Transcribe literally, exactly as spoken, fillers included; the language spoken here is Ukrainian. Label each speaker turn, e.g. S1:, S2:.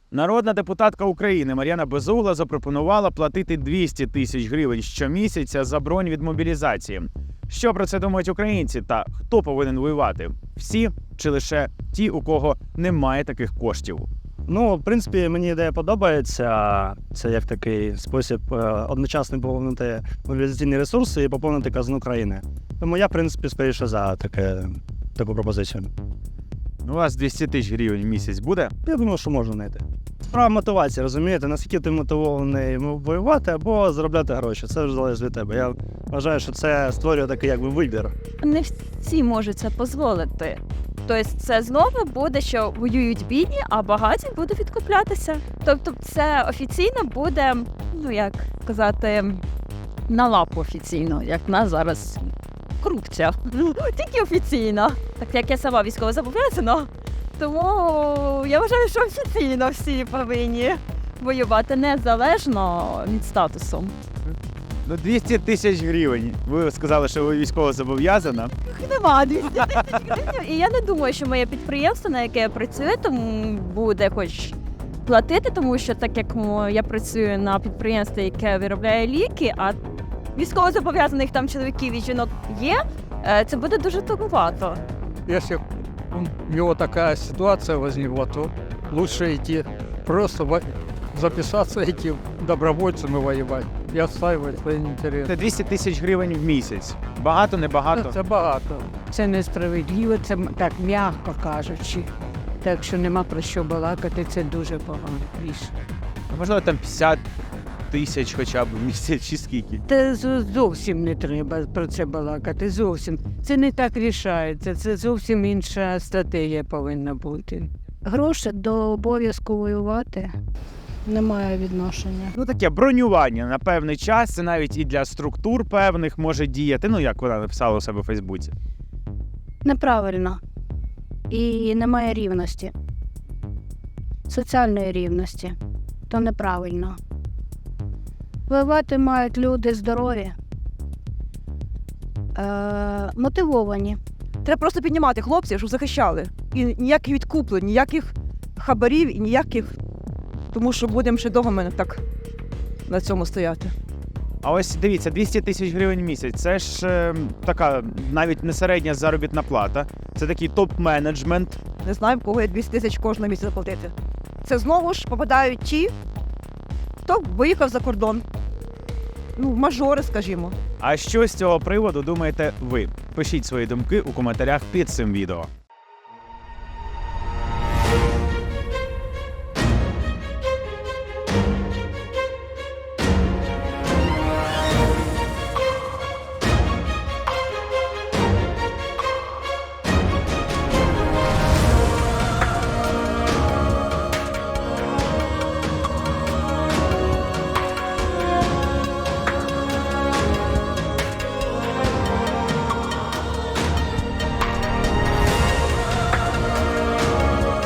S1: Народна депутатка України Мар'яна Безугла запропонувала платити двісті тисяч гривень щомісяця за бронь від мобілізації. Що про це думають українці та хто повинен воювати? Всі чи лише ті, у кого немає таких коштів?
S2: Ну, в принципі, мені ідея подобається. Це як такий спосіб е, одночасно поповнити мобілізаційні ресурси і поповнити казну країни. Тому я, в принципі, скоріше за таке, таку пропозицію.
S1: У вас двісті тисяч гривень в місяць буде?
S2: Я думаю, що можна знайти. Справа мотивації, розумієте? Наскільки ти мотивований воювати або заробляти гроші. Це вже залежить від тебе. Я вважаю, що це створює такий якби вибір.
S3: Не всі можуть це дозволити. Тобто це знову буде, що воюють бідні, а багаті будуть відкуплятися. Тобто це офіційно буде, ну як казати, на лапу офіційно, як в нас зараз корупція. Тільки офіційно. Так як я сама військово зобов'язана, тому я вважаю, що офіційно всі повинні воювати незалежно від статусу.
S1: Ну, двісті тисяч гривень. Ви сказали, що ви військово зобов'язана.
S3: Нема двісті тисяч гривень. І я не думаю, що моє підприємство, на яке я працюю, тому буде хоч платити, тому що так як я працюю на підприємстві, яке виробляє ліки, а військовозобов'язаних там чоловіків і жінок є, це буде дуже туговато.
S4: Если у него такая ситуация возникла, то лучше идти просто во- записаться, идти добровольцем и воевать. И отстаивать свои интересы.
S1: Це двісті тисяч гривень в місяць. Багато, не багато?
S4: Це багато.
S5: Це несправедливо, це м- так м'яко кажучи. Так що нема про що балакати, це дуже погано рішення.
S1: Можливо, там п'ятдесят тисяч хоча б в місяць чи скільки?
S5: Та зо- зовсім не треба про це балакати, зовсім. Це не так рішається, це зовсім інша стратегія повинна бути.
S6: Гроші до обов'язку воювати немає відношення.
S1: Ну, таке бронювання на певний час, це навіть і для структур певних може діяти, ну, як вона написала у себе у Фейсбуці.
S6: Неправильно. І немає рівності. Соціальної рівності. То неправильно. Воювати мають люди здорові, е- мотивовані.
S7: Треба просто піднімати хлопців, щоб захищали. І ніяких відкуплень, ніяких хабарів і ніяких. Тому що будемо ще довго мене так на цьому стояти.
S1: А ось дивіться, двісті тисяч гривень в місяць, це ж е, така навіть не середня заробітна плата, це такий топ-менеджмент.
S7: Не знаю, в кого є двісті тисяч кожного місяця заплатити. Це знову ж попадають ті, хто виїхав за кордон. Ну, мажори, скажімо.
S1: А що з цього приводу думаєте ви? Пишіть свої думки у коментарях під цим відео.